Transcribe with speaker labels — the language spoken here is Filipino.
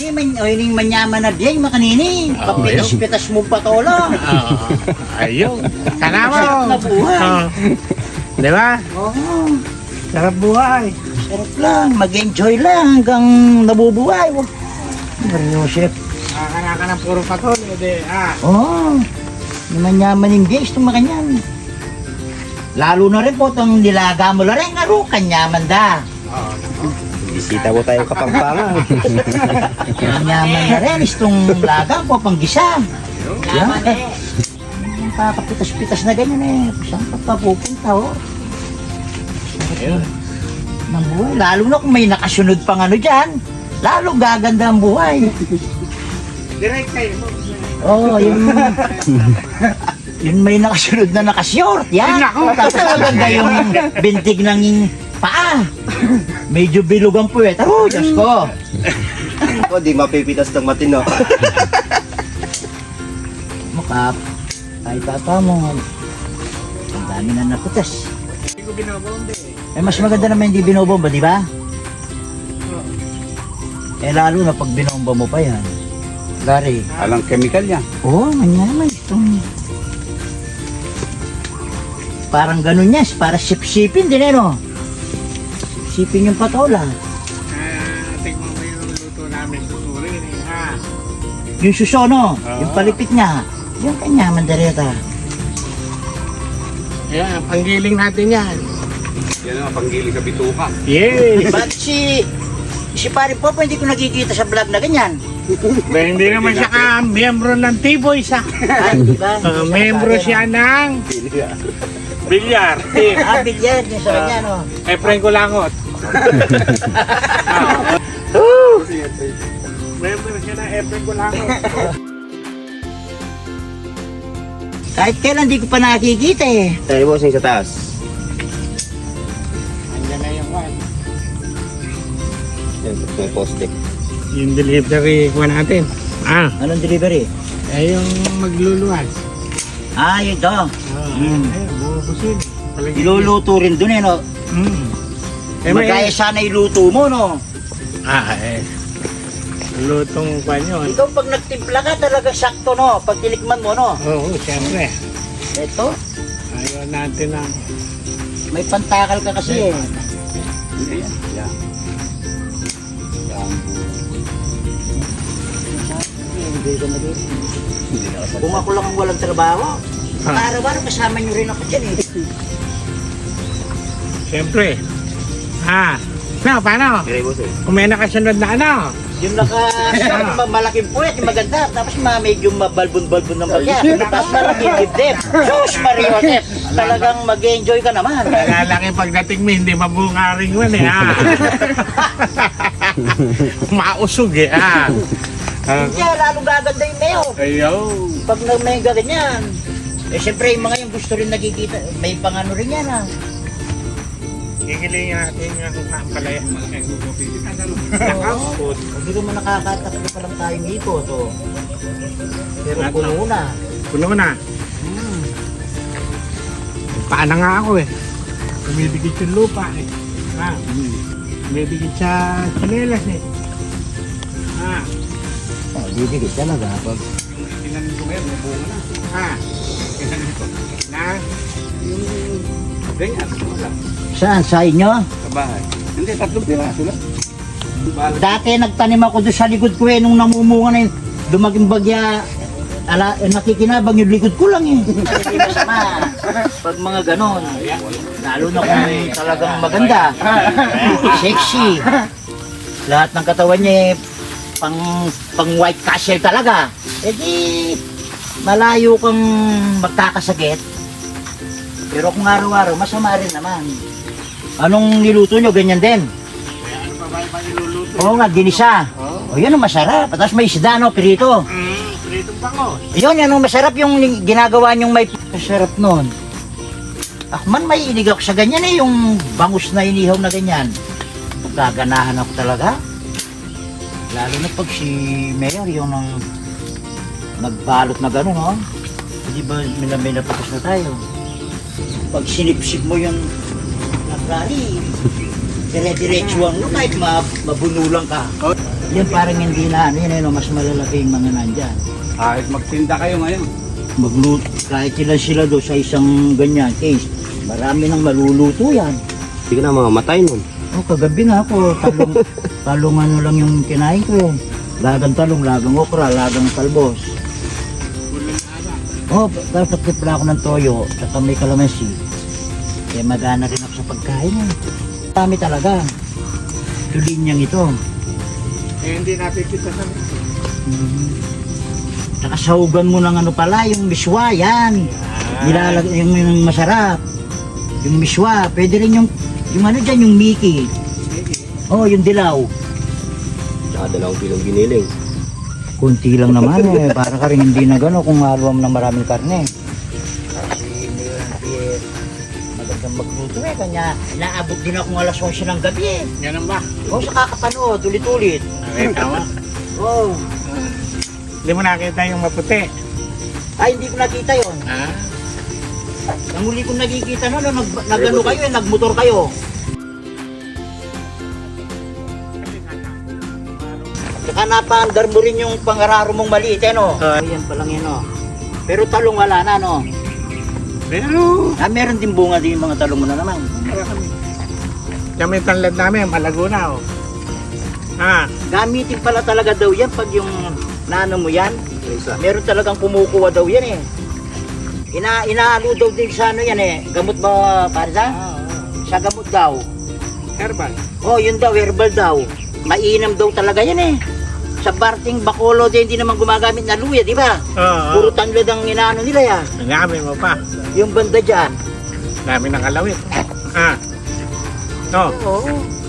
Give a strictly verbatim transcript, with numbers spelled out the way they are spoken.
Speaker 1: Ini man, o ini manyaman na diyan, makanini.
Speaker 2: Oo,
Speaker 1: Papitas-pitas mo patola.
Speaker 2: Oo. Ayun. Sana mo.
Speaker 1: Sarap na buhay.
Speaker 2: Oo. Di ba?
Speaker 1: Oo.
Speaker 2: Sarap buhay.
Speaker 1: Sarap lang, mag-enjoy lang hanggang nabubuhay. Wag. Mario Chef.
Speaker 2: Nakakana ka ng puro patol. Hindi, ah.
Speaker 1: Oo. Yung manyaman yung gays, itong makanyan. Lalo na rin po itong nilaga mo na rin, aro, kanyaman da.
Speaker 2: Oo.
Speaker 3: Bisita po tayo Kapampangan.
Speaker 1: Kanyaman na rin, itong laga po, panggisa. Yan. Yung pakapitas-pitas na ganyan eh. Saan ka pa pupunta, oh?
Speaker 2: Ayun.
Speaker 1: Ng buhay. Lalo na kung may nakasunod pang ano dyan, lalo gaganda ang buhay.
Speaker 2: Direct kayo mo.
Speaker 1: Oo, oh, yung... Yung may nakasunod na nakashort, yan.
Speaker 2: Nako.
Speaker 1: Tapos maganda yung bintig ng paa. Medyo bilog ang puwet. Oh, Diyos ko.
Speaker 3: O, di mapipitas ng matino.
Speaker 1: Mukha, ay papa mo. Ang dami na naputas.
Speaker 2: Hindi ko binabombe.
Speaker 1: Eh, mas maganda naman hindi binobomba, di ba? Eh, lalo na pag binomba mo pa yan. Gary.
Speaker 3: Alang chemical yan.
Speaker 1: Oo, oh, manyaman. Itong... Parang ganun yan. Para sip-sipin din eh, no? Sipin yung patola.
Speaker 2: Ah, tingnan mo yung luto namin. Tuturin eh, ha?
Speaker 1: Yung susono,
Speaker 2: Oo.
Speaker 1: yung palipit niya. Yung kanya, mandareta.
Speaker 2: Ayan, panggiling natin yan.
Speaker 3: Yan ang panggiling sa bituka.
Speaker 2: Yes!
Speaker 1: Ba't si... Si pare Popo hindi ko nakikita sa vlog na ganyan.
Speaker 2: Ba, hindi naman siya ka miyembro ng T-Boys, ha?
Speaker 1: Ah, di ba?
Speaker 2: Uh, miyembro siya ng bilyar. Team.
Speaker 1: Ah, bilyar din sa kanya, no?
Speaker 2: Efren Kulangot. Miyembro siya ng Efren Kulangot.
Speaker 1: Kahit kailan hindi ko pa nakikita eh.
Speaker 3: Tayo bossing sa taas.
Speaker 2: Andiyan na yung one.
Speaker 3: Yan, may poste.
Speaker 2: Yung delivery ko natin. Ah,
Speaker 1: Anong delivery?
Speaker 2: eh yung magluluwas.
Speaker 1: Ah, yun to.
Speaker 2: Ah,
Speaker 1: Mm.
Speaker 2: ayun, bubusin. Palagi-
Speaker 1: Iluluto rin dun eh, no?
Speaker 2: Mm. Eh, may...
Speaker 1: Magkaya sana iluto mo, no?
Speaker 2: Ah, eh. Lutong pa yun.
Speaker 1: Ikaw pag nagtimpla ka talaga sakto, no? Pag tinikman mo, no?
Speaker 2: Oo, siyempre.
Speaker 1: Ito,
Speaker 2: Ayaw natin ang...
Speaker 1: may pantakal ka kasi eh.
Speaker 3: Yan. Yan.
Speaker 1: Hindi ka mag-
Speaker 3: Hindi na kasal.
Speaker 1: Kung ako lang ang walang trabaho,
Speaker 2: Ah.
Speaker 1: araw-araw kasama nyo rin ako dyan eh.
Speaker 2: Siyempre. Ah, no, paano?
Speaker 3: Dire bossing.
Speaker 2: Kung may nakasunod na ano?
Speaker 1: Yung naka malaking puwet, yung maganda. Tapos ma medyo mabalbon-balbon ng bagya. Tapos malaking dibdib. Sus, Mario Joseph, talagang mag-enjoy ka naman.
Speaker 2: Nalalaki pagdating mo, hindi mabungaring mo eh, ha? Mausog eh, ha? Ah.
Speaker 1: Hindi, lalo gaganda yung mayo.
Speaker 2: Ayaw.
Speaker 1: Pag nag-mega ganyan. Eh, siyempre, yung mga yung gusto rin nakikita, may pangano rin yan ah.
Speaker 2: Gigilingin natin yung kampalaya.
Speaker 1: Oo. Hindi ko man nakakatakbo pa lang tayong ikot. Oh. Pero
Speaker 2: Lahat
Speaker 1: puno na.
Speaker 2: Puno na.
Speaker 1: Hmm.
Speaker 2: Paano nga ako eh. Kumidikit yung lupa eh. Ha? Kumidikit sa chinelas eh. Ha?
Speaker 1: Oh, bibigit talaga. Pag
Speaker 3: Tingnan ko ngayon, may bunga na.
Speaker 2: Ha? Na?
Speaker 3: Yung ganyan, wala.
Speaker 1: saan? Sa inyo?
Speaker 3: Sa bahay. Hindi, tatlong piraso lang. Balag.
Speaker 1: Dati nagtanim ako doon sa likod ko eh, nung namumunga na yun. Dumaging bagya, ala, eh, nakikinabang yung likod ko lang eh. Hindi masama. Pag mga ganon, lalo na kung talagang maganda, sexy. Lahat ng katawan niya eh, pang, pang white castle talaga. Eh di, malayo kang magkakasakit. Pero kung araw-araw, masama rin naman. Anong niluto nyo? Ganyan din.
Speaker 2: Ano pa ba yung niluluto?
Speaker 1: Oo nga, ginisa. O yun ang masarap. Tapos may isda, no, pirito.
Speaker 2: Mm, pritong bangos.
Speaker 1: Yun, yan ang masarap yung ginagawa nyong may masarap nun. Ako man may inig ako sa ganyan eh, yung bangus na inihaw na ganyan. Gaganahan ako talaga. Lalo na pag si Mayor, yung nang nagbalot na gano'n, no? Hindi ba may, may napapos na tayo? Pag sinipsip mo yung nagrali, dire-diretsuhan mo kahit ma mabunulang ka.
Speaker 3: Oh.
Speaker 1: Yan parang hindi na ano yun, ano, mas malalaki yung mga nandyan.
Speaker 3: Kahit magtinda kayo ngayon.
Speaker 1: Magluto, kahit sila sila do sa isang ganyan case, marami nang maluluto yan.
Speaker 4: Hindi ka na mamamatay nun.
Speaker 1: Oh, kagabi nga ako, talong, talong ano lang yung kinain ko eh. Lagang talong, lagang okra, lagang talbos. Oh, dapat tipla ako ng toyo, saka may kalamansi. Eh, magana rin ako sa pagkain eh. Dami talaga. Tulinyang ito.
Speaker 2: Eh, hindi natin kita sa...
Speaker 1: Mm. Saka sahugan mo ng ano pala, yung miswa, yan. Nilalag yung, yung masarap. Yung miswa, pwede rin yung, yung ano dyan, yung Mickey. Oh, yung dilaw.
Speaker 4: Tsaka dalawang kilong giniling.
Speaker 1: Kunti lang naman eh, para ka rin hindi na gano'n kung haluan mo ng maraming karne. Kasi hindi eh, magandang magluto eh, kanya naabot din akong alas onse ng gabi eh.
Speaker 2: Ganun ba?
Speaker 1: O sa kakapanood, ulit-ulit.
Speaker 2: Ay, tama.
Speaker 1: Oh,
Speaker 2: Hindi mo nakita yung maputi.
Speaker 1: ay hindi ko nakita yon.
Speaker 2: Ha?
Speaker 1: Ang huli kong nakikita na, nag, nagano kayo eh, nagmotor kayo. Saka napaandar mo rin yung pangararo mong maliit eh no?
Speaker 2: Ah.
Speaker 1: Ayan pa lang yun no. Pero talong wala na no?
Speaker 2: Pero...
Speaker 1: Ah, meron din bunga din yung mga talong mo na naman.
Speaker 2: Kami tanlad namin, malago na oh. Ha?
Speaker 1: Gamitin pala talaga daw yan pag yung nano mo yan.
Speaker 4: Isa.
Speaker 1: Meron talagang kumukuha daw yan eh. Ina inaalo daw din sa ano yan eh. Gamot ba parza? Sa gamot daw.
Speaker 2: Herbal.
Speaker 1: Oh, yun daw, herbal daw. Mainam daw talaga yan eh. Sa Barting Bacolod din hindi naman gumagamit na luya, di ba?
Speaker 2: Oo.
Speaker 1: Puro tanglad ang inaano nila ya.
Speaker 2: Ang dami mo pa.
Speaker 1: Yung banda dyan.
Speaker 2: Dami ng kalawit. Ha? No.
Speaker 1: Oo.